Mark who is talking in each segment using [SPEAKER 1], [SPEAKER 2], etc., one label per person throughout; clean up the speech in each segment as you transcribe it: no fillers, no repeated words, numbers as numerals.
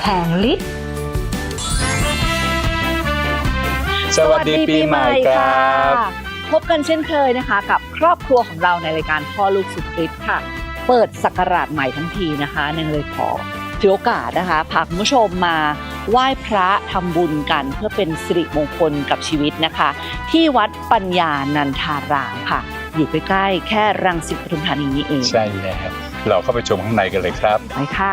[SPEAKER 1] งฤทธิ์
[SPEAKER 2] สวัสดีปีใหม่ครับ
[SPEAKER 1] พบกันเช่นเคยนะคะกับครอบครัวของเราในรายการพ่อลูกสุดฤทธิ์ค่ะเปิดศักราชใหม่ทั้งทีนะคะเนื่องเลยขอถือโอกาสนะคะพาคุณผู้ชมมาไหว้พระทำบุญกันเพื่อเป็นสิริมงคลกับชีวิตนะคะที่วัดปัญญานันทารามค่ะอยู่ใกล้ๆแค่รังสิตปทุมธานีนี้เอง
[SPEAKER 2] ใช่แล้วเราเข้าไปชมข้างในกันเลยครับ
[SPEAKER 1] ไปค่ะ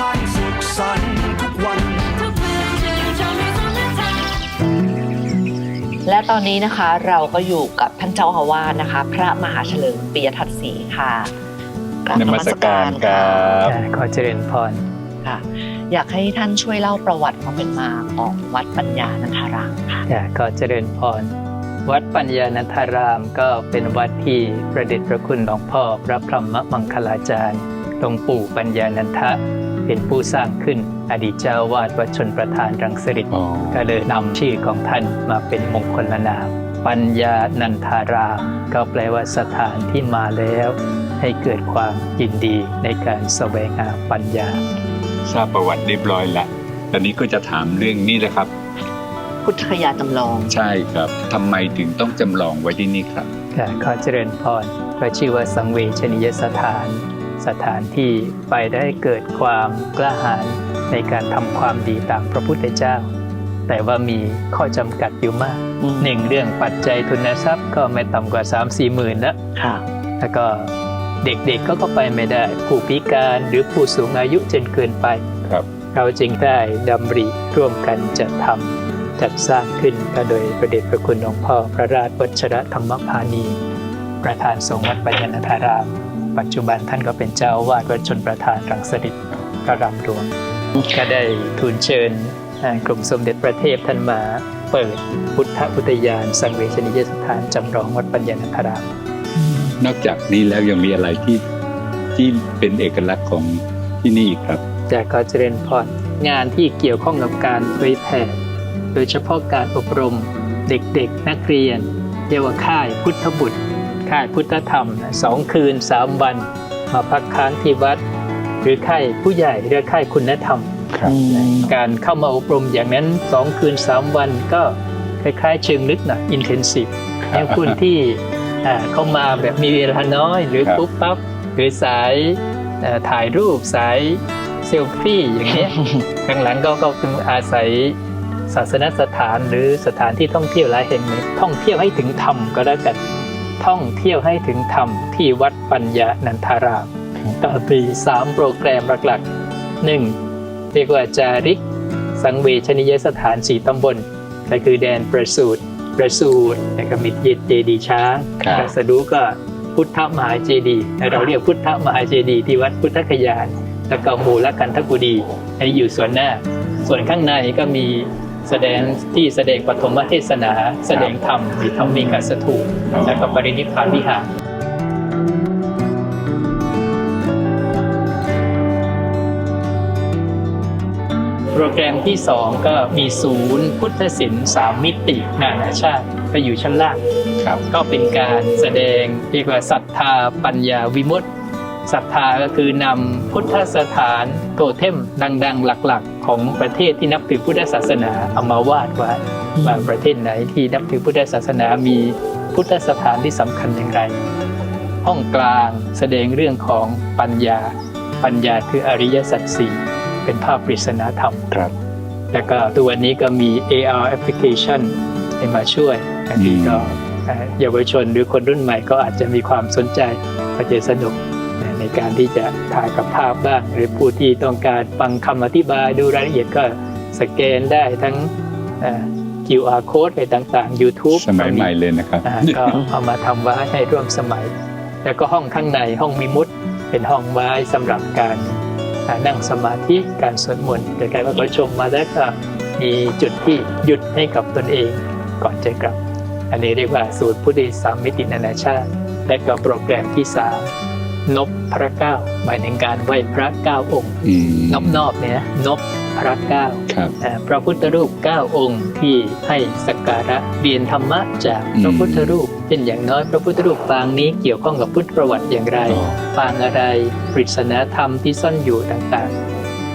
[SPEAKER 1] และตอนนี้นะคะเราก็อยู่กับท่านเจ้าอาวาสนะคะพระมหาเฉลิมปิยทัศน์ศรีค่ะ
[SPEAKER 2] นมัสการครับ
[SPEAKER 3] ขอเจริญพร
[SPEAKER 1] ค่ะอยากให้ท่านช่วยเล่าประวัติความเป็นมาของวัดปัญญานันทารามค่ะ
[SPEAKER 3] ขอเจริญพรวัดปัญญานันทารามก็เป็นวัดที่ประเดชพระคุณหลวงพ่อพระพรหมมังคลาจารย์หลวงปู่ปัญญานันทะเป็นผู้สร้างขึ้นอดีตเจ้าวาดวัดชลประทานรังสิตก็เลยนำชื่อของท่านมาเป็นมงคลนามปัญญานันทารามก็แปลว่าสถานที่มาแล้วให้เกิดความยินดีในการแสวงหาปัญญา
[SPEAKER 2] ทราบประวัติเรียบร้อยแล้วตอนนี้ก็จะถามเรื่องนี้แหละครับ
[SPEAKER 1] พุทธคยาจำลอง
[SPEAKER 2] ใช่ครับทำไมถึงต้องจำลองไว้ที่นี่ครับ
[SPEAKER 3] ขอเจริญพรพระชื่อว่าสังเวชนียสถานสถานที่ไปได้เกิดความกล้าหาญในการทำความดีตามพระพุทธเจ้าแต่ว่ามีข้อจำกัดอยู่มากหนึ่งเรื่องปัจจัยทุนทรัพย์ก็ไม่ต่ำกว่า 3-4 หมื่นแล้วก็เด็กๆก็ไปไม่ได้ผู้พิการหรือผู้สูงอายุจนเกินไปเราจึงได้ดำริร่วมกันจัดสร้างขึ้นก็โดยพระเดชพระคุณหลวงพ่อพระราชวชิรธรรมพานีประธานสงฆ์วัดปัญญานันทารามปัจจุบันท่านก็เป็นเจ้าอาวาสวัดชลประทานรังสิตพระรามหลวงก็ได้ทูลเชิญกรมสมเด็จพระเทพท่านมาเปิดพุทธอุทยานสังเวชนียสถานจำลองวัดปัญญานันทาราม
[SPEAKER 2] นอกจากนี้แล้วยังมีอะไรที่เป็นเอกลักษณ์ของที่นี่ครับ
[SPEAKER 3] ขอเจริญพรงานที่เกี่ยวข้องกับการเผยแผ่โดยเฉพาะการอบรมเด็กๆนักเรียนเรียกว่าค่ายพุทธบุตรค่ายพุทธธรรม2 คืน 3 วันมาพักค้างที่วัดหรือค่ายผู้ใหญ่เรียกค่ายคุณธรรมการเข้ามาอบรมอย่างนั้น2 คืน 3 วันก็คล้ายๆเชิงลึกหน่อยอินเทนซีฟอย่างคุณที่เข้ามาแบบมีเวลาน้อยหรือปุ๊บปั๊บหรือสายถ่ายรูปสายเซลฟี่อย่างนี้ข้างหลังก็อาศัยศาสนสถานหรือสถานที่ท่องเที่ยวหลายแห่งท่องเที่ยวให้ถึงธรรมก็แล้วกันท่องเที่ยวให้ถึงธรรมที่วัดปัญญานันทารามก็มี3 โปรแกรมหลักๆ 1. เรียกว่าจาริกสังเวชนียสถาน4 ตำบลก็คือแดนประสูติแล้วก็มีเจดีย์ช้างตรัสรู้ก็พุทธมหาเจดีย์เราเรียกพุทธมหาเจดีย์ที่วัดพุทธคยานแล้วก็มูลกันทกุฎีให้อยู่ส่วนหน้าส่วนข้างในก็มีแสดงปฐมเทศนาแสดงธรรมมีธรรมิกสถูปและก็ปรินิพพานวิหารโปรแกรมที่2ก็มีศูนย์พุทธศิลป์3 มิตินานาชาติไปอยู่ชั้นล่างก็เป็นการแสดงเรียกว่าศรัทธาปัญญาวิมุตติศรัทธาก็คือนำพุทธสถานโทเทมดังๆหลักๆของประเทศที่นับถือพุทธศาสนาเอามาวาดไว้ว่าประเทศไหนที่นับถือพุทธศาสนามีพุทธสถานที่สำคัญอย่างไรห้องกลางแสดงเรื่องของปัญญาคืออริยสัจ 4เป็นภาพปริศนาธรรมแล้วก็ตัวนี้ก็มี AR application ให้มาช่วยอันนี้ก็เยาวชนหรือคนรุ่นใหม่ก็อาจจะมีความสนใจก็จะสนุกในการที่จะถ่ายกับภาพบ้างหรือผู้ที่ต้องการฟังคำอธิบายดูรายละเอียดก็สแกนได้ทั้งQR code ไปต่างๆ YouTube
[SPEAKER 2] สมัยใหม่เลยนะครับ
[SPEAKER 3] ก็เอามาทำไว้ให้ร่วมสมัยแล้วก็ห้องข้างในห้องวิมุตติเป็นห้องไว้สำหรับการนั่งสมาธิการสวดมนต์แต่การประชมมาแล้วก็มีจุดที่หยุดให้กับตนเองก่อนจะกลับอันนี้เรียกว่าสูตรพุทธิ3 มิตินานาชาติและก็โปรแกรมที่3นพพระเก้าหมายถึงการไหว้พระ9 องค์นอบเนี่ยนพพระ9พระพุทธรูป9 องค์ที่ให้สักการะเรียนธรรมะจากพระพุทธรูปเป็นอย่างน้อยพระพุทธรูปปางนี้เกี่ยวข้องกับพุทธประวัติอย่างไรปางอะไรปริศนาธรรมที่ซ่อนอยู่ต่างๆ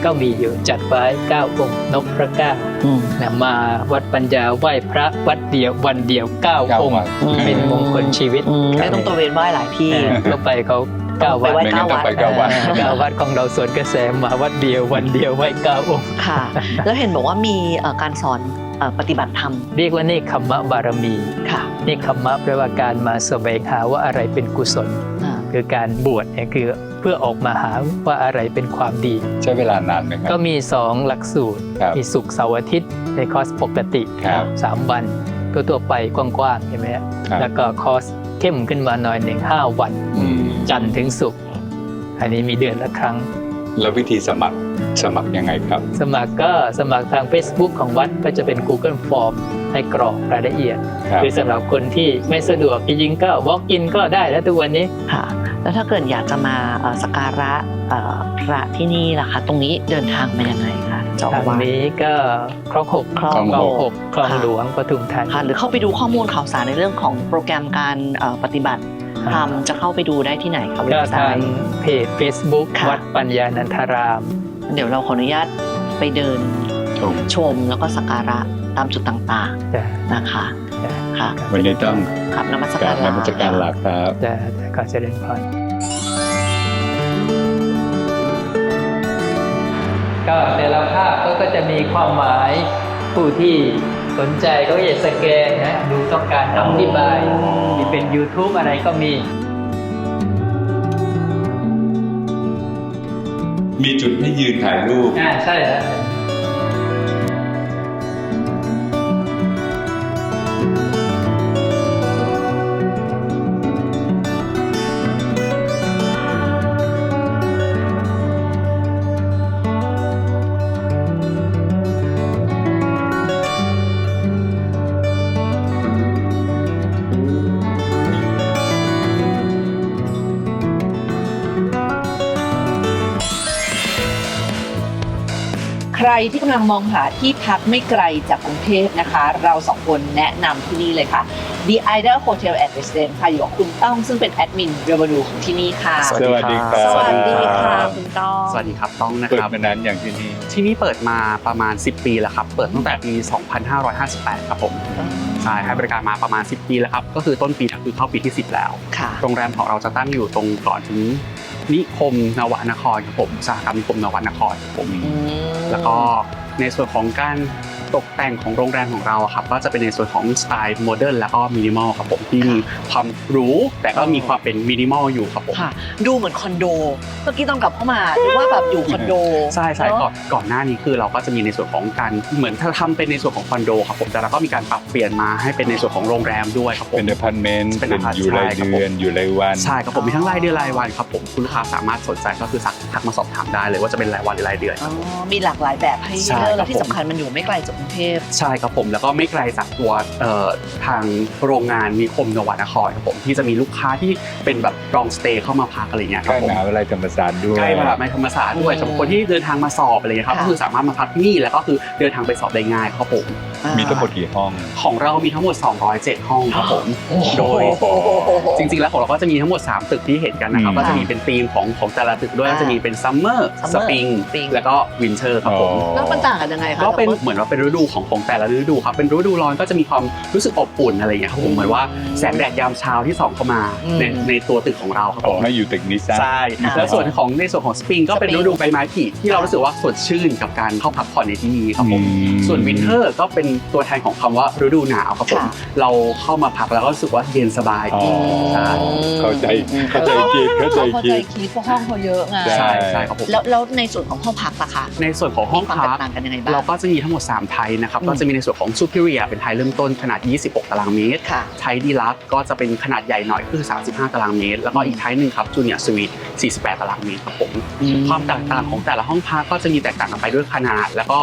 [SPEAKER 3] ก็มีอยู่จัดไว้9องค์นพพระเก้านะมาวัดปัญญาไหว้พระวัดเดียววันเดียว9องค์เป็นมงคลชีวิต
[SPEAKER 1] ไม่ต้องตระเวนไหว้หลายที่
[SPEAKER 3] ก็ไปเขา9วัด
[SPEAKER 1] ไปไหว้9วัด
[SPEAKER 3] 9วัดของเราสวนกระแสมาวัดเดียววันเดียวไหว้9องค์
[SPEAKER 1] ค่ะ แล้วเห็นบอกว่ามีการสอนปฏิบัติธรรม
[SPEAKER 3] เรียกว่าเนคขมมะบารมี
[SPEAKER 1] ค่ะ
[SPEAKER 3] เนคขมมะแปลว่าการมาแสวงหาว่าอะไรเป็นกุศล คือการบวชเนี่ยคือเพื่อออกมาหาว่าอะไรเป็นความดี
[SPEAKER 2] ใช้เวลานานไหมครับ
[SPEAKER 3] ก็มี 2 หลักสูตร
[SPEAKER 2] ครับ
[SPEAKER 3] มีศุกร์เสาร์อาทิตย์ในคอร์สปกติ
[SPEAKER 2] ครับ
[SPEAKER 3] 3 วันตัวไปกว้างๆใช่ไหมฮะ
[SPEAKER 2] ครับ
[SPEAKER 3] แล้วก็คอร์สเข้มขึ้นมาหน่อยหนึ่ง5 วัน จันทร์ถึงศุกร์อันนี้มีเดือนละครั้ง
[SPEAKER 2] แล้ววิธีสมัครยังไงครับ
[SPEAKER 3] สมัครก็สมัครทาง Facebook ของวัดก็จะเป็น Google Form ให้กรอกรายละเอียด
[SPEAKER 2] ครับ
[SPEAKER 3] คือสำหรับคนที่ไม่สะดวกจริงๆก็ walk in ก็ได้แล้วทุกวันนี้
[SPEAKER 1] ค่ะ แล้วถ้าเกิดอยากจะมาสักการะพระที่นี่ล่ะคะ ตรงนี้เดินทางมายังไงคะเจ้า
[SPEAKER 3] ทาง
[SPEAKER 1] อาวาส
[SPEAKER 3] นี้ก็คลองหก
[SPEAKER 1] คลองหก
[SPEAKER 3] คลองหลวงปทุมธานี
[SPEAKER 1] ค่ะ หรือเข้าไปดูข้อมูลข่าวสารในเรื่องของโปรแกรมการปฏิบัติธรรมจะเข้าไปดูได้ที่ไหนคะเว็
[SPEAKER 3] ก็
[SPEAKER 1] บไซ
[SPEAKER 3] ทาง
[SPEAKER 1] ต์
[SPEAKER 3] เพจ Facebook
[SPEAKER 1] ค่ะ
[SPEAKER 3] วัดปัญญานันทาราม
[SPEAKER 1] เดี๋ยวเราขออนุญาตไปเดิน
[SPEAKER 2] ชม
[SPEAKER 1] ชมแล้วก็สักการะตามจุดต่าง
[SPEAKER 3] จะ
[SPEAKER 1] ๆนะคะค่ะ
[SPEAKER 2] วันนี้ต้อง
[SPEAKER 1] ขับนมัส
[SPEAKER 2] ก
[SPEAKER 1] การ
[SPEAKER 2] ารนมัสการหลักครับ
[SPEAKER 3] จะขอเจริญพรก็แต่ละภาพก็จะมีความหมายผู้ที่สนใจก็จะสแกนนะดูต้องการคำอธิบายมีเป็น YouTube อะไรก็มี
[SPEAKER 2] มีจุดให้ยืนถ่ายรูป
[SPEAKER 3] ใช่แล้ว
[SPEAKER 1] ใครที่กำลังมองหาที่พักไม่ไกลจากกรุงเทพนะคะ เราสองคนแนะนำที่นี่เลยค่ะ The Idol Hotel and Residence ค่ะอยู่กับคุณต้องซึ่งเป็นแอดมินเรเวนูของที่นี่ค่ะ
[SPEAKER 2] สวัสดีครับ
[SPEAKER 1] สวัสดีค่ะคุณต้อง
[SPEAKER 4] สวัสดีครับต้องนะ
[SPEAKER 2] เปิ
[SPEAKER 4] ค
[SPEAKER 2] ด
[SPEAKER 4] รับ
[SPEAKER 2] มานานอย่างที่นี่
[SPEAKER 4] ที่นี่เปิดมาประมาณ 10 ปีแล้วครับ เปิดตั้งแต่ปี 2558 ครับผมใช่ให้บริการมาประมาณ 10 ปีแล้วครับ ก็คือต้นปีก็คือเข้าปีที่ 10 แล้ว
[SPEAKER 1] ค่ะ
[SPEAKER 4] โรงแรมของเราจะตั้งอยู่ตรงก่อนถึงนิคมนวนครครับผมอุตสาหกรรมนิคมนวนครครับผม แล้วก็ในส่วนของการตกแต่งของโรงแรมของเราอะครับก็จะเป็นในส่วนของสไตล์โมเดิร์นแล้วก็มินิมอลครับผมที่มีความหรูแต่ก็มีความเป็นมินิมอลอยู่ครับผม
[SPEAKER 1] ค่ะ ดูเหมือนคอนโด เมื่อกี้ต้องกลับเข้ามาดูว่าแบบอยู่คอนโด
[SPEAKER 4] ใช่ใช่
[SPEAKER 1] เนอะ
[SPEAKER 4] ก่อนหน้านี้คือเราก็จะมีในส่วนของการเหมือนถ้าทำเป็นในส่วนของคอนโดครับผมแต่เราก็มีการปรับเปลี่ยนมาให้เป็นในส่วนของโรงแรมด้วยครับผม
[SPEAKER 2] เป็นอพาร์ตเมนต์
[SPEAKER 4] เป็น
[SPEAKER 2] เป็นอยู่ราย
[SPEAKER 4] ใช่ครับ
[SPEAKER 2] เดือน
[SPEAKER 4] ผม
[SPEAKER 2] อยู่รายวัน
[SPEAKER 4] ใช่ครับผมมีทั้งรายเดือนรายวันครับผมคุณลูกค้าสามารถสนใจก็คือทักมาสอบถามได้เลยว่าจะเป็นรายวันหรือรายเดือน
[SPEAKER 1] อ๋อมีหลากหลายแบบให้
[SPEAKER 4] ใช่
[SPEAKER 1] เลือก
[SPEAKER 4] ครั
[SPEAKER 1] แล้
[SPEAKER 4] บ
[SPEAKER 1] วที่สำคัญมันอยู่ไม่ไกลจากกรุงเทพ
[SPEAKER 4] ใช่ครับผมแล้วก็ไม่ไกลจากตัวทางโรงงานนิคมนวนครครับผมที่จะมีลูกค้าที่เป็นแบบรองสเตย์เข้ามาพักอะไรอย่างเงี้ยค
[SPEAKER 2] ใก
[SPEAKER 4] รับ
[SPEAKER 2] ล้
[SPEAKER 4] ผม
[SPEAKER 2] มหาวิทยาลัยธรรมศาสตร์ด้วย
[SPEAKER 4] ใกล้มหาวิทยาลัยธรรมศาสตร์ด้วยสำหรับคนที่เดินทางมาสอบอะไรอย่างเงี้ยครับ
[SPEAKER 1] ค่ะ
[SPEAKER 4] ก็คือสามารถมาพักที่นี่แล้วก็คือเดินทางไปสอบได้ง่ายครับผม
[SPEAKER 2] มีทั้งหมดกี่ห้อง
[SPEAKER 4] ของเรามีทั้งหมด 207 ห้องครับผม โดยจริงๆ แล้วของเราก็จะมีทั้งหมด 3 ตึกที่เห็นกันนะครับ
[SPEAKER 2] อืม
[SPEAKER 4] ก็จะมีเป็นธีมของแต่ละตึกด้วย ก็จะมีเป็นซัมเมอร์
[SPEAKER 1] Summer
[SPEAKER 4] สปริง
[SPEAKER 1] Spring
[SPEAKER 4] แล้วก็วินเทอร์ครับผม
[SPEAKER 1] แล้วมันต่างกันยังไงคะ
[SPEAKER 4] ก็เป็นเหมือนว่าเป็นฤดูของแต่ละฤดูครับ เป็นฤดูร้อนก็จะมีความรู้สึกอบอุ่นอะไรอย่างเงี้ยครับผม เหมือนว่าแสงแดดยามเช้าที่ส่องเข้ามาในตัวตึกของเราครับ
[SPEAKER 2] ข
[SPEAKER 4] ผ
[SPEAKER 2] อ
[SPEAKER 4] ม
[SPEAKER 2] ให้อยู่ตึกนี้ซะ
[SPEAKER 4] ใช่ แล้วส่วนของในส่วนของสปริงก็เป็นฤดูใบไม้ผลิที่เรารู้สึกว่าสดชื่นกับการเข้าพักผ่อนในที่นี้ครับผม ส่วนวินเทอร์ก็เป็นตัวแทนของคำว่าฤดูหนาวครับผม
[SPEAKER 1] ค่ะ
[SPEAKER 4] เราเข้ามาพักแล้วก็รู้สึกว่าเย็นสบาย
[SPEAKER 2] อ๋อ
[SPEAKER 4] ใช่
[SPEAKER 2] เข้าใจคิดเข้าใจ
[SPEAKER 1] เข้า
[SPEAKER 2] คิ
[SPEAKER 1] ใจ
[SPEAKER 2] ด
[SPEAKER 1] คิดเพราะห้องเขาเยอะไง
[SPEAKER 4] ใช่ใช่ครับผม
[SPEAKER 1] แล้วในส่วนของห้องพักล่ะคะ
[SPEAKER 4] ในส่วนของห้อง
[SPEAKER 1] มีความ
[SPEAKER 4] พั
[SPEAKER 1] แต
[SPEAKER 4] ก
[SPEAKER 1] กต่างกันยังไงบ้าง
[SPEAKER 4] เราก็จะมีทั้งหมด3ไทยนะครับก็จะมีในส่วนของ Superior เป็นไทยเริ่มต้นขนาด 26 ตารางเมตร
[SPEAKER 1] ค่ะ
[SPEAKER 4] ไทยดีลักซ์ก็จะเป็นขนาดใหญ่หน่อยคือ 35 ตารางเมตร แล้วก็อีกไทยหนึ่งครับ Junior Suite 48 ตารางเมตรครับผมความแตกต่างของแต่ละห้องพักก็จะมีแตกต่างกันไปด้วยขนาด แล้วก็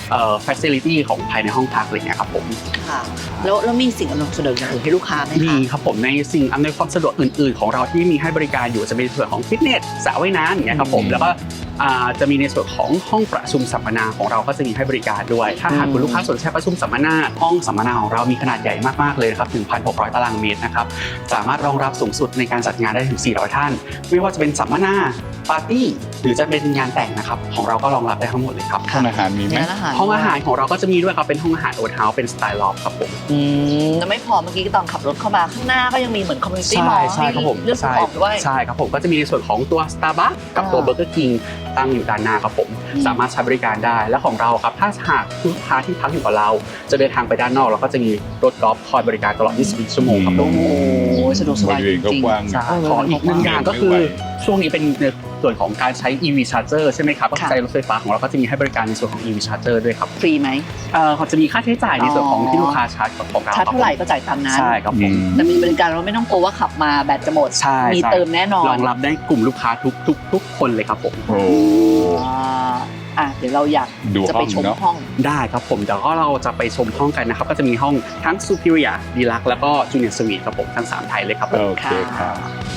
[SPEAKER 4] facility ของภายในห้องพักอะไรเงี้ยครับผม
[SPEAKER 1] ค่ะแล้วมีสิ่งอำนวยความสะดวกอย่างอื่นให้ลูกค้าไหมคะ
[SPEAKER 4] มีครับผมในสิ่งอำนวยความสะดวกอื่นๆของเราที่มีให้บริการอยู่จะเป็นส่วนของฟิตเนสสระว่ายน้ำอย่างเงี้ยครับผมแล้วก็จะมีในส่วนของห้องประชุมสัมมนาของเราก็จะมีให้บริการด้วยถ้าหากคุณลูกค้าสนใจประชุมสัมมนาห้องสัมมนาของเรามีขนาดใหญ่มากๆเลยนะครับถึง 1,600 ตารางเมตรนะครับสามารถรองรับสูงสุดในการจัดงานได้ถึง 400 ท่านไม่ว่าจะเป็นสัมมนาปาร์ตี้หรือจะเป็นงานแต่งนะครับของเราก็รองรับได้ทั้งหมดเลยครับ
[SPEAKER 2] ห้องอาหารมีไหม
[SPEAKER 4] ห้องอาหารของเราก็จะมีด้วยครับเป็นห้องอาหารโอทเฮาส์เป็นสไตล์ลอฟครับผม
[SPEAKER 1] แล้วไม่พอเมื่อกี้ตอนขับรถเข้ามาข้างหน้าก็ยังมีเหมือนคอมมูนิตี้มอลล์
[SPEAKER 4] ใช่ครับผม
[SPEAKER 1] เลือกซื้อของด้วย
[SPEAKER 4] ใช่ครับผมก็จะมีในส่วนของตัว Starbucks กับตัว Burger King ตั้งอยู่ด้านหน้าครับผมสามารถใช้บริการได้และของเราครับถ้าหากลูกค้าที่พักอยู่กับเราจะเดินทางไปด้านนอกเราก็จะมีรถกอล์ฟคอยบริการตลอด 24 ชั่วโมงครับผม
[SPEAKER 1] โอ้โหสะดวกสบาย
[SPEAKER 2] บริเวณก็
[SPEAKER 1] จริง
[SPEAKER 2] กว้าง
[SPEAKER 4] ใช่ขออีกหนึ่งอย่างก็คือช่วงนี้เป็นในส่วนของการใช้ EV Charger ใช่ไหมครับก็ใช้รถไฟฟ้าของเราก็จะมีให้บริการในส่วนของ EV Charger ด้วยครับ
[SPEAKER 1] ฟรีไหม
[SPEAKER 4] เขาจะมีค่าใช้จ่ายในส่วนของที่ลูกค้าชาร์จของเรา
[SPEAKER 1] ชาร์จเท่าไหร่ก็จ่ายตามนั้น
[SPEAKER 4] ใช่ครับผม
[SPEAKER 1] แต่มีบริการเราไม่ต้องกลัวว่าขับมาแบตจะหมด
[SPEAKER 4] ใช่
[SPEAKER 1] มีเติมแน่นอน
[SPEAKER 4] รองรับได้กลุ่มลูกค้าทุกคนเลยครับผม
[SPEAKER 2] โอ้
[SPEAKER 1] เดี๋ยวเราอยาก
[SPEAKER 2] ดู
[SPEAKER 1] จะไปชม
[SPEAKER 2] ห้องเนอะ
[SPEAKER 1] ห้อง
[SPEAKER 4] ได้ครับผมเดี๋ยวก็เราจะไปชมห้องกันนะครับก็จะมีห้องทั้ง Superior Deluxe แล้วก็ Junior Suite ครับผมทั้ง3ไทยเลยครับผม
[SPEAKER 2] โอเคครับ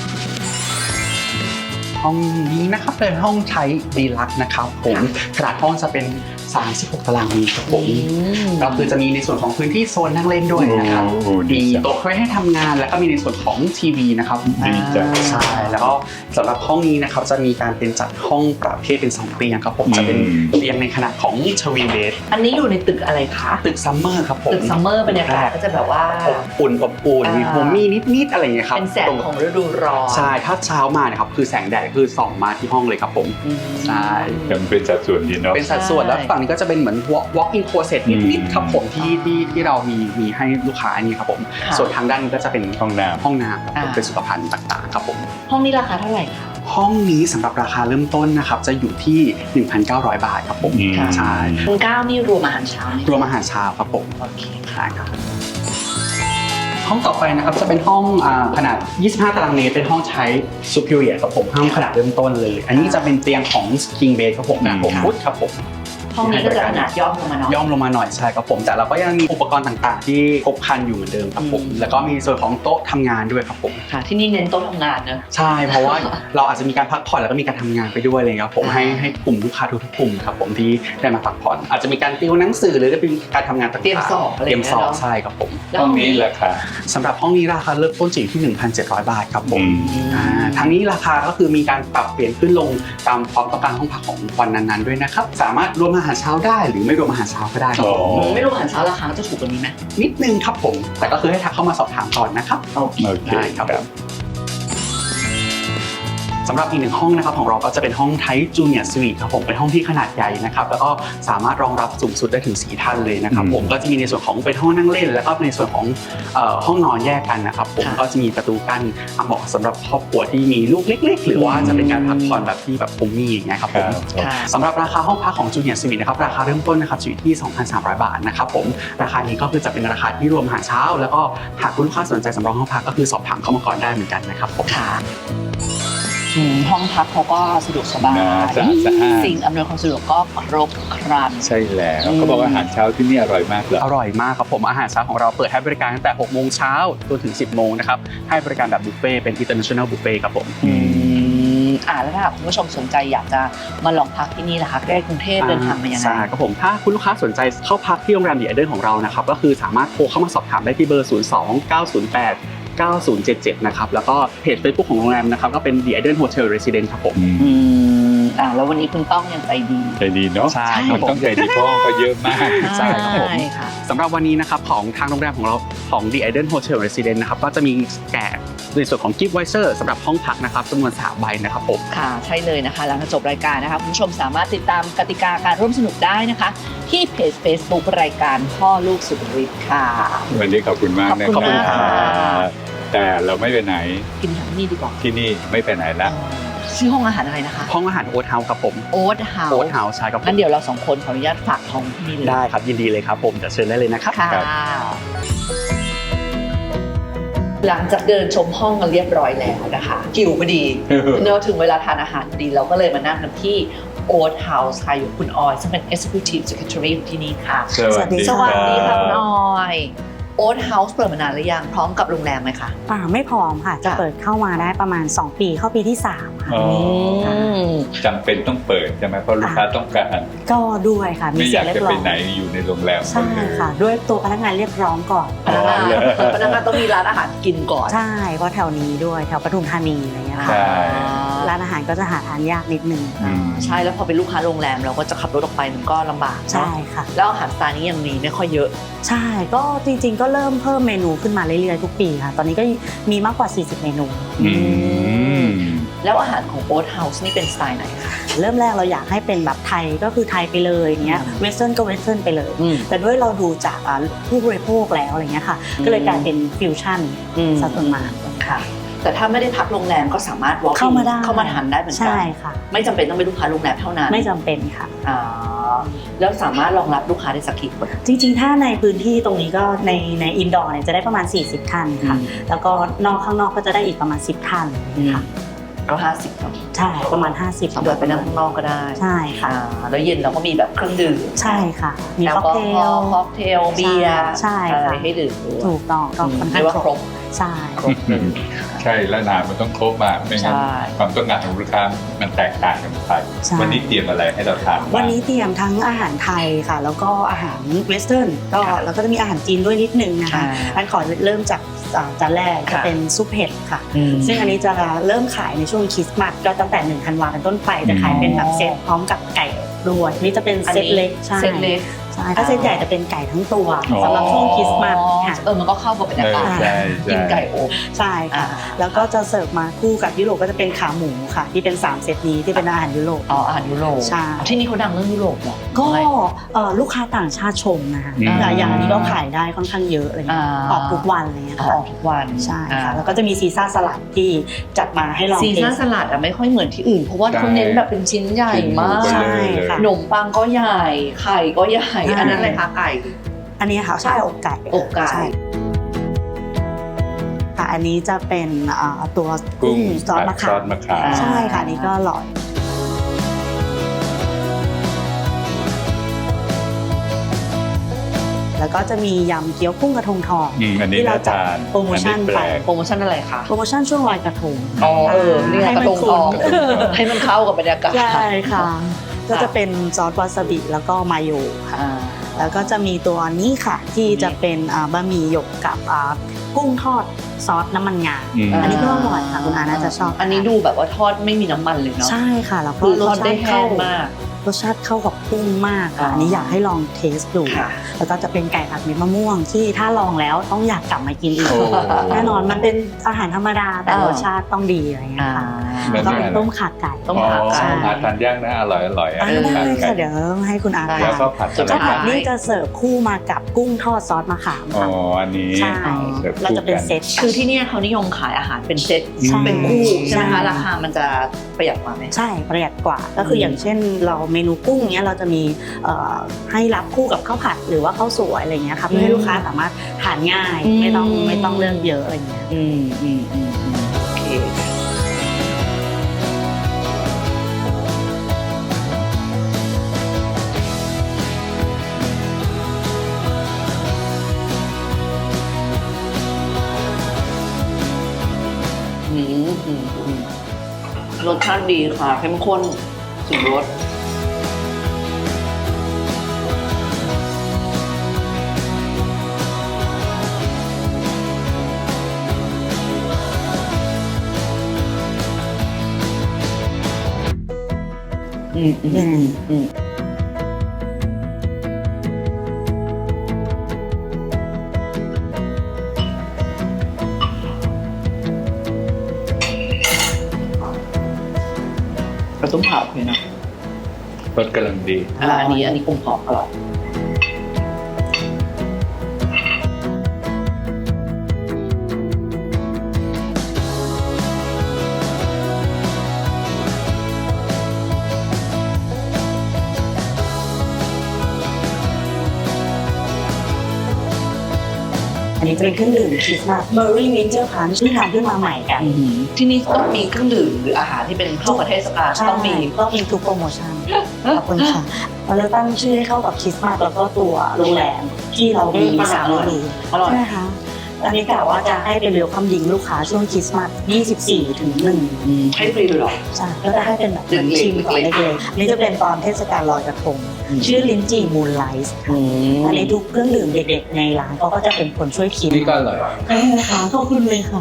[SPEAKER 4] ห้องนี้นะครับเป็นห้องใช้ Deluxe นะครับผมขนาดห้องจะเป็น36 ตารางเมตรครับผมก็คือจะมีในส่วนของพื้นที่โซนนั่งเล่นด้วยนะครับ
[SPEAKER 2] โอ้ดี
[SPEAKER 4] มี
[SPEAKER 2] จัง
[SPEAKER 4] โต๊ะไว้ให้ทำงานแล้วก็มีในส่วนของทีวีนะครับ
[SPEAKER 2] ดีจัง
[SPEAKER 4] ใช่แล้วก็สำหรับห้องนี้นะครับจะมีการเป็นจัดห้องประเภทเป็น2เตียงครับผมจะเป็นเตียงในขนาดของทวีเบด
[SPEAKER 1] อันนี้อยู่ในตึกอะไรคะ
[SPEAKER 4] ตึกซัมเมอร์ครับผม
[SPEAKER 1] ตึกซัมเมอร์บรรยากาศก็จะแบบว่า
[SPEAKER 4] อบอุ่นมีโฮมมี่นิดๆอะไรอย่างเงี้ยครับ
[SPEAKER 1] เป็นแสงของฤดูร้อน
[SPEAKER 4] ใช่ถ้าเช้ามาเนี่ยครับคือแสงแดดคือส่องมาที่ห้องเลยครับผมใช่
[SPEAKER 2] มันเป็นสัดส่วนดีเนาะ
[SPEAKER 4] เป็นสัดส่วนแล้วฝั่งนี้ก็จะเป็นเหมือน walk-in closet นิดๆครับผมที่เรามีให้ลูกค้าอันนี้ครับผมส่วนทางด้านนี้ก็จะเป็น
[SPEAKER 2] ห้องน้ำ
[SPEAKER 4] ห้องน้ำครับผมเป็นสุขภัณฑ์ต่างๆครับผม
[SPEAKER 1] ห้องนี้ราคาเท่าไหร่คะ
[SPEAKER 4] ห้องนี้สำหรับราคาเริ่มต้นนะครับจะอยู่ที่ 1,900 บาทครับผม ใช่
[SPEAKER 1] คุณก้าวนี่รวมอาหารเช้าไหม
[SPEAKER 4] รวมอาหารเช้าครับผม
[SPEAKER 1] โอเค
[SPEAKER 4] ใช่ครับห้องต่อไปนะครับจะเป็นห้องขนาด 25 ตารางเมตรเป็นห้องใช้ Superior ครับผมห้องขนาดเริ่มต้นเลย อันนี้จะเป็นเตียงของ King Bed ครับผมนะ6ฟุตครับผม
[SPEAKER 1] ห้องนี้ก็จะขนาดย่อมลงมาหน่อย
[SPEAKER 4] ย่อมลงมาหน่อยใช่ครับผมแต่เราก็ยังมีอุปกรณ์ต่างๆ ที่ครบครันอยู่เหมือนเดิมครับผมแล้วก็มีส่วนของโต๊ะทำงานด้วยครับผม
[SPEAKER 1] ค่ะ ที่นี่เน้นโต๊ะทำงานเนอะ
[SPEAKER 4] ใช่เพราะว่าเราอาจจะมีการพักผ่อนแล้วก็มีการทำงานไปด้วยเลยครับผมให้กลุ่มลูกค้าทุกๆกลุ่มครับผมที่ได้มาพักผ่อนอาจจะมีการติวหนังสือหรือจะเป็นการทำงานต่างๆ
[SPEAKER 1] เตรียมสอบอะไร
[SPEAKER 4] เตรียมสอบ
[SPEAKER 1] อย่างเงี้ยเนอะ
[SPEAKER 4] ใช่ครับผม
[SPEAKER 2] ห้องนี้ราคา
[SPEAKER 4] สำหรับห้องนี้ราคาเริ่มต้นอยู่ที่ 1,700 บาทครับผม ทั้งนี้ราคาก็คือมีการปรับเปลี่ยนขึ้นลงตามความต้องการห้องพักของวันนั้นๆด้วยนะครับสามารถรวมอาหารเช้าได้หรือไม่รวมอาหารเช้าก็ได้ครับผม
[SPEAKER 1] ไม่รวมอาหารเช้าราคาจะถูกกว่านี้ไหม
[SPEAKER 4] นิดนึงครับผมแต่ก็คือให้ทักเข้ามาสอบถามก่อนนะครับ
[SPEAKER 1] โอเค
[SPEAKER 2] โอเค
[SPEAKER 4] ได้ครับผมสำหรับอีกหนึ่งห้องนะครับของเราก็จะเป็นห้องไทป์จูเนียร์สวีทครับผมเป็นห้องที่ขนาดใหญ่นะครับแล้วก็สามารถรองรับสูงสุดได้ถึง4ท่านเลยนะครับผมก็จะมีในส่วนของเป็นห้องนั่งเล่น แล้วก็ในส่วนของห้องนอนแยกกันนะครับผมก็จะมีประตูกั้นเหมาะสำหรับครอบครัวที่มีลูกเล็กๆ หรือว่าจะเป็นการพักผ่อนแบบที่แบบโฮมมี่อย่างเงี้ยครับผม
[SPEAKER 1] ค่ะ
[SPEAKER 4] สำหรับราคาห้องพักของจูเนียร์สวีทนะครับราคาเริ่มต้นนะครับอยู่ที่ 2,300 บาทนะครับผมราคานี้ก็คือจะเป็นราคาที่รวมอาหารเช้า แล้วก็หากคุณลูกค้าสนใจสำรองห้องพักก็คือสอบถามเข้ามาก่อนได้เหมือนกันนะครับผม
[SPEAKER 1] ค่ะห้องพักเขาก็สะดวกสบาย
[SPEAKER 2] สะอาดสะอาด
[SPEAKER 1] สิ่งอำนวยความสะดวกก็ครบครัน
[SPEAKER 2] ใช่แล้วเขาบอกว่าอาหารเช้าที่นี่อร่อยมากเลย
[SPEAKER 4] อร่อยมากครับผมอาหารเช้าของเราเปิดให้บริการตั้งแต่6โมงเช้าจนถึง10โมงนะครับให้บริการแบบบุฟเฟ่ต์เป็น international buffet ครับผม
[SPEAKER 1] แล้วถ้าคุณผู้ชมสนใจอยากจะมาลองพักที่นี่ล่ะคะใกล้กรุงเทพเดินทางมายังไง
[SPEAKER 4] ใช่ครับผมถ้าคุณลูกค้าสนใจเข้าพักที่โรงแรมดีไอเดนของเรานะครับก็คือสามารถโทรเข้ามาสอบถามได้ที่เบอร์ 02-908-9077 นะครับแล้วก็เพจ Facebook ของโรงแรมนะครับก็เป็น The Eden Hotel Residence ครับผม
[SPEAKER 1] แล้ววันนี้คุณต้องยังใจดี
[SPEAKER 2] ใจดีเนาะ
[SPEAKER 4] ใช่ค
[SPEAKER 2] มั
[SPEAKER 4] รับ
[SPEAKER 2] น
[SPEAKER 4] ผม
[SPEAKER 2] ต้องใจดีเพราะห้องก็เยอะมาก
[SPEAKER 4] ใช่ครับผม
[SPEAKER 1] ค่ะ
[SPEAKER 4] สำหรับวันนี้นะครับของทางโรงแรมของเราของ The Eden Hotel Residence นะครับก็จะมีแจกในส่วนของ Gift Voucher สำหรับห้องพักนะครับจำนวน3ใบนะครับผม
[SPEAKER 1] ค่ะใช่เลยนะคะหลังจากจบรายการนะคะคุณผู้ชมสามารถติดตามกติกาการร่วมสนุกได้นะคะ ที่เพจ Facebook รายการพ่อลูกสุดฤทธิ์ค่ะ
[SPEAKER 2] วันนี้ขอบคุณมากนะ
[SPEAKER 1] ขอบคุณค่ะ
[SPEAKER 2] แต่เราไม่ไปไหน
[SPEAKER 1] กินอาหารที่นี่ดีกว่า
[SPEAKER 2] ที่นี่ไม่ไปไหนละ
[SPEAKER 1] ชื่อห้องอาหารอะไรนะคะ
[SPEAKER 4] ห้องอาหารโอ๊ตเฮาส์ครับผม
[SPEAKER 1] โอ๊ตเฮา
[SPEAKER 4] โอ๊ต
[SPEAKER 1] ส์
[SPEAKER 4] เฮาส์ใช่ครับผม
[SPEAKER 1] งั้นเดี๋ยวเราสองคนขออนุญาตฝากท้องที่นี่เลย
[SPEAKER 4] ได้ครับยินดีเลยครับผมจะเชิญได้เลยนะครับ
[SPEAKER 1] ค่ะหลังจากเดินชมห้องกันเรียบร้อยแล้วนะคะหิวพอดี เนอะถึงเวลาทานอาหารพอดีเราก็เลยมานั่งกันที่ Oat House ค่ะอยู่คุณออยซึ่งเป็น Executive Secretary อยู่ที่นี่ค่ะ
[SPEAKER 2] สวัสดี
[SPEAKER 1] สวัสดี
[SPEAKER 2] ค
[SPEAKER 1] ค่ะ
[SPEAKER 2] รับ
[SPEAKER 1] คุณออย Oat House เปิดมานานหรือยังพร้อมกับโรงแรมไหมคะ
[SPEAKER 5] ไม่พร้อมค่ะ จะ
[SPEAKER 1] จ้ะ
[SPEAKER 5] เปิดเข้ามาได้ประมาณ 2 ปีเข้าปีที่ 3 ค่ะ
[SPEAKER 2] อ๋อจำเป็นต้องเปิดใช่ไหมเพราะลูกค้าต้องการ
[SPEAKER 5] ก็ด้วยค่ะ มี
[SPEAKER 2] ไม่อ
[SPEAKER 5] เสีย
[SPEAKER 2] ยาง ก
[SPEAKER 5] เรีย
[SPEAKER 2] จะ
[SPEAKER 5] บร้
[SPEAKER 2] ไป
[SPEAKER 5] อย
[SPEAKER 2] ไหนอยู่ในโรงแรม
[SPEAKER 5] ใช่ค่ะ ด้วยตัวพนักงานเรียกร้องก่อน
[SPEAKER 1] พนักงานพนักงานต้องมีร้านอาหารกินก่อน
[SPEAKER 5] ใช่เพราะแถวนี้ด้วยแถวปทุมธานีอะไรเงี้ยค่ะ
[SPEAKER 2] ใช่
[SPEAKER 5] ร้านอาหารก็จะหาทานยากนิดนึง
[SPEAKER 2] อืม
[SPEAKER 1] ใช่แล้วพอเป็นลูกค้าโรงแรมเราก็จะขับรถออกไปมันก็ลำบาก
[SPEAKER 5] ใช่
[SPEAKER 1] เนาะ
[SPEAKER 5] ค่ะ
[SPEAKER 1] แล้วอาหารสไตล์นี้ยังมีไม่ค่อยเยอะ
[SPEAKER 5] ใช่ก็จริงๆก็เริ่มเพิ่มเมนูขึ้นมาเรื่อยๆทุกปีค่ะ ตอนนี้ก็มีมากกว่า 40 เมนู
[SPEAKER 2] อืม
[SPEAKER 1] แล้วอาหารของ Oat House นี่เป็นสไตล์ไหนคะ
[SPEAKER 5] เริ่มแรกเราอยากให้เป็นแบบไทยก็คือไทยไปเลยอย่างเงี้ยเวสเทิร์นก็เวสเทิร์นไปเลย แต่ด้วยเราดูจากผู้บริโภคแล้วอะไรเงี้ยค่ะ ก็เลยกลายเป็นฟิวชั่นซะส่วนมาก
[SPEAKER 1] ค่ะ แต่ถ้าไม่ได้พักโรงแรมก็สามารถ walk in
[SPEAKER 5] เข้ามาได้
[SPEAKER 1] เข้ามาทานได้เหมือนกั
[SPEAKER 5] ใช่ค่ะ
[SPEAKER 1] ไม่จำเป็นต้องเป็นลูกค้าโรงแรมเท่านั้น
[SPEAKER 5] ไม่จำเป็นค่ะ
[SPEAKER 1] อ่าแล้วสามารถรองรับลูกค้าได้สักกี่คน
[SPEAKER 5] จริงๆ ถ้าในพื้นที่ตรงนี้ก็ในอินดอร์เนี่ยจะได้ประมาณ 40 ท่านค่ะ แล้วก็นอกข้างนอกก็จะได้อีกประมาณ 10 ท่านค่ะ
[SPEAKER 1] ก็50เนาะ
[SPEAKER 5] ใช่ประมาณ 50
[SPEAKER 1] สำหรับไปนั่งข้างนอกก็ได้
[SPEAKER 5] ใช่ค่ะ
[SPEAKER 1] แล้วเย็นเราก็มีแบบเครื่องดื่ม
[SPEAKER 5] ใช่ค่ะ มี
[SPEAKER 1] แอล
[SPEAKER 5] ค็อก
[SPEAKER 1] กอ
[SPEAKER 5] เท
[SPEAKER 1] ฮอ
[SPEAKER 5] ล
[SPEAKER 1] ล์ค็อกเทลเบียร์
[SPEAKER 5] ใช่
[SPEAKER 1] อะไร
[SPEAKER 5] ค่ะ
[SPEAKER 1] ให้ดื่มด้วย
[SPEAKER 5] ถูกต้องก็ค่อน
[SPEAKER 1] เรี
[SPEAKER 5] ข้าย ง
[SPEAKER 1] กว่า
[SPEAKER 5] ค
[SPEAKER 1] ค
[SPEAKER 5] ร
[SPEAKER 1] ร
[SPEAKER 5] บบ ใช่
[SPEAKER 1] ครบเลย
[SPEAKER 2] ใช่แล้วอาหารมันต้องครบมากไม่งั้น
[SPEAKER 1] ใช่
[SPEAKER 2] ความต้องการของลูกค้ามันแตกต่างกันไป
[SPEAKER 5] ใช่
[SPEAKER 2] วันนี้เตรียมอะไรให้เราทานบ้าง
[SPEAKER 5] วันนี้เตรียมทั้งอาหารไทยค่ะ แล้วก็อาหารเวสเทิร์นก็แล้วก็จะมีอาหารจีนด้วยนิดนึงนะคะอันขอเริ่มจากจานแรกจะเป็นซุปเห็ดค่ะ ซึ่งอันนี้จะเริ่มขายในช่วงคริสต์มาสก็ตั้งแต่1 ธันวาคมเป็นต้นไปจะขายเป็นแบบเซตพร้อมกับไก่ด้วยนี่จะเป็นเซตเล็กใช่
[SPEAKER 1] เซตเล็ก
[SPEAKER 5] ใช่ถ้าเซตใหญ่จะเป็นไก่ทั้งตัวสำหรับช่วงคริสต์มาสค่ะ
[SPEAKER 1] มันก็เข้ากับบรรยากาศ
[SPEAKER 2] ใช่
[SPEAKER 1] กิน
[SPEAKER 2] ใช่
[SPEAKER 1] ไก่อบ
[SPEAKER 5] ใช่ค่ะ แล้วก็จะเสิร์ฟมาคู่กับยุโรปก็จะเป็นขาหมูค่ะ ที่เป็น3 เซตนี้ที่เป็นอาหารยุโรป
[SPEAKER 1] อาหารยุโรป
[SPEAKER 5] ใช่
[SPEAKER 1] ที่นี่เขาดังเรื่องยุโรปเหรอ
[SPEAKER 5] ก็ลูกค้าต่างชาติชมนะคะ
[SPEAKER 2] อืม
[SPEAKER 5] แต่อย่างอันนี้ก็ขายได้ค่อนข้างเยอะอะไรเงี้ยออกทุกวันอะไรเงี้ย
[SPEAKER 1] อ
[SPEAKER 5] ค่ะ
[SPEAKER 1] อกทุกวัน
[SPEAKER 5] ใช่ค่ะแล้วก็จะมีซีซ่าสลัดที่จัดมาให้ลอง
[SPEAKER 1] ซี
[SPEAKER 5] เท
[SPEAKER 1] ซ่า
[SPEAKER 5] ส
[SPEAKER 1] สลัดอะไม่ค่อยเหมือนที่อื่น เพราะว่าเขาเน้นแบบเป็นชิ้นใหญ่มาก
[SPEAKER 5] ใช่ค่ะ
[SPEAKER 1] ขนมปังก็ใหญ่ ไข่ก็ใหญ่
[SPEAKER 5] ใช่
[SPEAKER 1] อันนั้นอะไรคะไก่
[SPEAKER 5] อันนี้ค่ะใช่อกไก่
[SPEAKER 1] อกไก่
[SPEAKER 5] ใช่ค่ะอันนี้จะเป็นตัวกุ้งซอสมะ
[SPEAKER 2] ซ
[SPEAKER 5] ขา
[SPEAKER 2] อ
[SPEAKER 5] ม
[SPEAKER 2] สมะขาม
[SPEAKER 5] ใช่ค่ะอันนี้ก็อร่อยแล้วก็จะมียำเกี๊ยวกุ้งกระทงทอง
[SPEAKER 2] อันนี้
[SPEAKER 5] ที่เรา
[SPEAKER 2] น่า
[SPEAKER 5] จัด
[SPEAKER 2] ทาน
[SPEAKER 5] โปรโมชั่น
[SPEAKER 2] อัแป
[SPEAKER 5] ไป
[SPEAKER 2] ลก
[SPEAKER 1] โปรโมชั่นอะไรคะ
[SPEAKER 5] โปรโมชั่นช่วงลอยกระทง
[SPEAKER 1] นี่ไง
[SPEAKER 5] ให้
[SPEAKER 1] ก
[SPEAKER 5] มั
[SPEAKER 1] ระ
[SPEAKER 5] น
[SPEAKER 1] ทงทอง
[SPEAKER 5] คุ้น
[SPEAKER 1] ให้มันเข้ากับบรรยากาศ
[SPEAKER 5] ใช่ค่ะ ก็จะเป็นซอสวาซาบิแล้วก็มาโยค่ะ
[SPEAKER 1] อ่า
[SPEAKER 5] แล้วก็จะมีตัวนี้ค่ะ ที่จะเป็นบะหมี่หยกกับกุ้งทอดซอสน้ำมันงา อันนี้ก็อร่อยค่ะคุณอาน่าจะชอบ
[SPEAKER 1] อันนี้ดูแบบว่าทอดไม่มีน้ำมันเลยเนาะ
[SPEAKER 5] ใช่ค่ะแล้วก็
[SPEAKER 1] คือ
[SPEAKER 5] ร
[SPEAKER 1] ท
[SPEAKER 5] ส
[SPEAKER 1] อด
[SPEAKER 5] ชา
[SPEAKER 1] ได้
[SPEAKER 5] ติ
[SPEAKER 1] แห้
[SPEAKER 5] เข้าง
[SPEAKER 1] มาก
[SPEAKER 5] รสชาติเข้ากับกุ้งมากค่ะ
[SPEAKER 1] อ๋ออั
[SPEAKER 5] อันนี้อยากให้ลองเทสดู
[SPEAKER 1] ค่ะ
[SPEAKER 5] แล้วก็จะเป็นไก่ผัดเม็ดมะม่วงที่ถ้าลองแล้วต้องอยากกลับมากินอีก
[SPEAKER 2] โอ้
[SPEAKER 5] แน่นอนมันเป็นอาหารธรรมดาแต่รสชาติต้องดีอะไรอย่างเงี้ยค่ะ
[SPEAKER 2] แล้
[SPEAKER 5] แล้ว วก็เป็นต้มข่าไก่
[SPEAKER 1] ต้มข่าไก่
[SPEAKER 5] ใช่
[SPEAKER 2] อาทานย่างนะอร่อยอร่อย
[SPEAKER 5] ได้ค่ะเดี๋ยวให้คุณอา
[SPEAKER 1] ได้
[SPEAKER 2] แล้วก็
[SPEAKER 5] ทาน
[SPEAKER 2] ผัด
[SPEAKER 1] จะ
[SPEAKER 5] ข้าว
[SPEAKER 2] อะไร
[SPEAKER 5] ผัด
[SPEAKER 2] นะ
[SPEAKER 5] นี่จะเสิร์ฟคู่มากับกุ้งทอดซอสมะขาม
[SPEAKER 2] อ๋อ
[SPEAKER 5] ค่ะ
[SPEAKER 2] อันนี้
[SPEAKER 5] ใช่
[SPEAKER 2] สิร์ฟ
[SPEAKER 5] เราจะเป็น
[SPEAKER 2] คู่กั
[SPEAKER 5] เซต
[SPEAKER 1] คือที่เนี่ยเขานิยมขายอาหารเป็นเซต
[SPEAKER 5] ใช่
[SPEAKER 1] เป็นคู่ใช่ไหม
[SPEAKER 5] ใช่
[SPEAKER 1] คะราคามันจะประหยัดกว่าไหม
[SPEAKER 5] ใช่ประหยัดกว่าก็คืออย่างเช่นเราเมนูกุ้งเนี้ยเราจะมีให้รับคู่กับข้าวผัดหรือว่าข้าวสวยอะไรเงี้ยค่ะเพื่อให้ลูกค้าสามารถทานง่ายไม่ต้องเลือกเยอะอะไรเงี้ย
[SPEAKER 1] โอเครสชาติดีค่ะเข้มข้นถึงรสกระตุ้มเผาเลยนะ
[SPEAKER 2] รสกำลังดี
[SPEAKER 1] อันนี้กลมกล่อมอร่อย
[SPEAKER 5] อันนี้จะเป็นเครื่องดื่มคริสต์มาสเบอร์รี่วินเจอร์พันช์ที่ทำขึ้นมาใหม่กัน
[SPEAKER 1] ที่นี่ต้องมีเครื่องดื่มหรืออาหารที่เป็นเข้ากับเทศกาลต้องมี
[SPEAKER 5] ทุกโปรโมชั่นขอบคุณค่ะเราจะตั้งชื่อให้เข้ากับคริสต์มาสแล้วก็ตัวโรงแรมที่เรามี3เมนู
[SPEAKER 1] อร่อย
[SPEAKER 5] ใช่ไหมคะอันนี้กะว่าจะให้เป็นเวลคัมดิ้งลูกค้าช่วงคริสต์มาส24 ถึง 1
[SPEAKER 1] ให้ฟรีเลยเหรอ
[SPEAKER 5] ใช่ก็จะให้เป็นแบบเหมือนชิมก่อนเล็กๆนี่จะเป็นตอนเทศกาลลอยกระทงชื่อลิ้นจี่มูนไลท์อันนี้ทุกเครื่องดื่มเด็กๆในร้านเขาก็จะเป็นคนช่วยคิด
[SPEAKER 2] นี่ก็อร่อย
[SPEAKER 5] ใช่ค่ะขอบคุณเลยค่ะ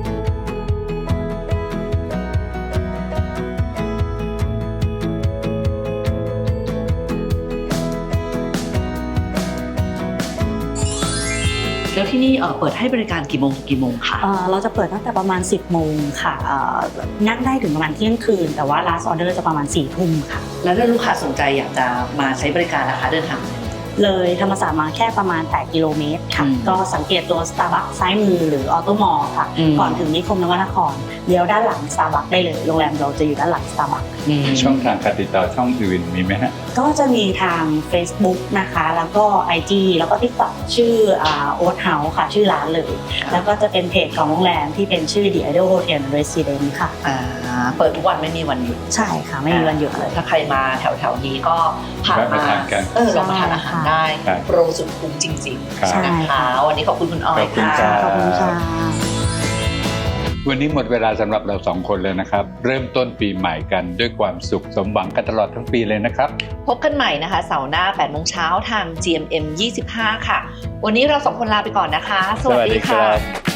[SPEAKER 1] แล้วที่นี่เปิดให้บริการกี่โมงถึงกี่โมงคะ
[SPEAKER 5] เราจะเปิดตั้งแต่ประมาณ 10 โมงค่ะนั่งได้ถึงประมาณเที่ยงคืน แต่ว่า last order จะประมาณ 4 ทุ่มค่ะ
[SPEAKER 1] แล้วถ้าลูกค้าสนใจอยากจะมาใช้บริการนะคะเดินทาง
[SPEAKER 5] เลยธรรมศาสตร์มาแค่ประมาณ 8 กิโลเมตรค่ะ ก็สังเกตตัว Starbucks ซ้ายมือหรือออโตมอลค่ะ ก่อนถึงนิคมนวนครเลี้ยวด้านหลัง Starbucks ได้เลย โรงแรมเราจะอยู่ด้านหลัง Starbucks
[SPEAKER 2] ช่องทางการติดต่อช่องอื่นมีไหมฮะ
[SPEAKER 5] ก็จะมีทาง Facebook นะคะ แล้วก็ IG แล้วก็ TikTok ชื่อOat House ค่ะ ชื่อร้านเลย แล้วก็จะเป็นเพจของโรงแรมที่เป็นชื่อ The Idol Hotel Residence ค่ะ
[SPEAKER 1] เปิดทุกวันไม่มีวันหยุด
[SPEAKER 5] ใช่ค่ะ ไม่มีวันหยุดเลย
[SPEAKER 1] ถ้าใครมาแถวๆนี้ก็ผ่าน
[SPEAKER 2] แวะ
[SPEAKER 1] มา
[SPEAKER 2] มาทานกัน
[SPEAKER 1] ลองมาทานอาหารได้
[SPEAKER 2] ครับ
[SPEAKER 1] โปรสุดคุ้มจริง
[SPEAKER 2] ครับ
[SPEAKER 5] ใช่
[SPEAKER 1] ๆนะคะวันนี้ขอบคุณคุณออย
[SPEAKER 2] ขอบคุณ
[SPEAKER 1] ค่ะ
[SPEAKER 2] ครับ
[SPEAKER 5] ขอบคุณค่ะ
[SPEAKER 2] วันนี้หมดเวลาสำหรับเรา2 คนเลยนะครับ เริ่มต้นปีใหม่กันด้วยความสุขสมหวังกันตลอดทั้งปีเลยนะครับ
[SPEAKER 1] พบกันใหม่นะคะเสาร์หน้า 8 โมงเช้าทาง GMM 25 ค่ะ วันนี้เรา2 คนลาไปก่อนนะคะ สวัสดีค่ะ